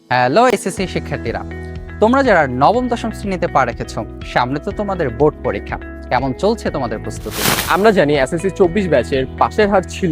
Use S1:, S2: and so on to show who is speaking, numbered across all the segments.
S1: Hello SSC শিক্ষার্থীরা, তোমরা যারা নবম দশম শ্রেণীতে পা রেখেছো, সামনে তো তোমাদের বোর্ড পরীক্ষা। কেমন চলছে তোমাদের প্রস্তুতি?
S2: আমরা জানি এসএসসি 24 ব্যাচের পাশের হার ছিল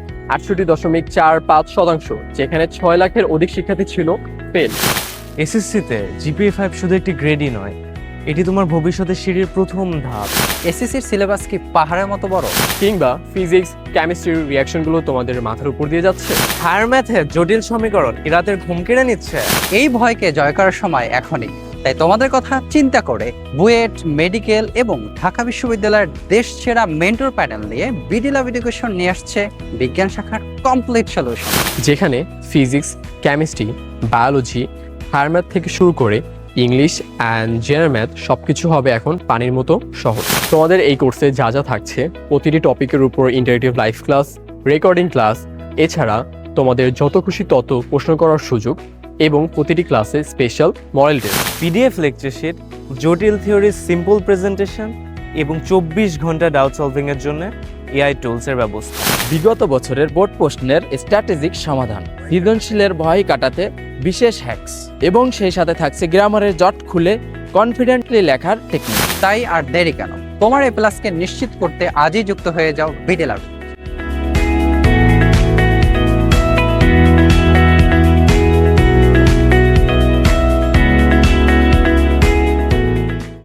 S2: 68.45%, যেখানে 6 লাখের অধিক শিক্ষার্থী ছিল ফেল।
S3: এসএসসিতে জিপিএ 5 শুধু একটি গ্রেডই নয়, এটি তোমার ভবিষ্যতের সিঁড়ির প্রথম ধাপ।
S1: এসএসসির সিলেবাস কি পাহাড়ের মতো বড়?
S2: কিংবা ফিজিক্স, কেমিস্ট্রির রিয়াকশনগুলো তোমাদের মাথার উপর দিয়ে যাচ্ছে।
S3: হায়ার ম্যাথে জটিল সমীকরণ কি রাতের ঘুম কেড়ে নিচ্ছে?
S1: এই ভয়কে জয় করার সময় এখনই। তাই তোমাদের কথা চিন্তা করে বুয়েট, মেডিকেল এবং ঢাকা বিশ্ববিদ্যালয়ের দেশ সেরা মেন্টর প্যানেল নিয়ে বিডি লাভ এডুকেশন নিয়ে আসছে বিজ্ঞান শাখার কমপ্লিট সলিউশন।
S2: যেখানে physics, chemistry, biology, higher math থেকে শুরু করে ইংলিশ অ্যান্ড জেনারেল ম্যাথ সবকিছু হবে এখন পানির মতো সহজ। তোমাদের এই কোর্সে যা যা থাকছে, প্রতিটি টপিকের উপর interactive live class, recording class, এছাড়া তোমাদের যত খুশি তত প্রশ্ন করার সুযোগ এবং প্রতিটি ক্লাসে special model test.
S3: PDF lecture sheet, জটিল থিওরির সিম্পল প্রেজেন্টেশন এবং 24 ঘন্টা ডাউট সলভিং এর জন্য এআই টুলসের ব্যবস্থা।
S4: বিগত বছরের বোর্ড প্রশ্নের স্ট্র্যাটেজিক সমাধান, সৃজনশীলের ভয় কাটাতে বিশেষ হ্যাকস এবং সেই সাথে থাকছে গ্রামারের জট খুলে কনফিডেন্টলি লেখার টেকনিক।
S1: তাই আর দেরি কেন? তোমার এই প্লাসকে নিশ্চিত করতে আজই যুক্ত হয়ে যাও বিডি লাভ।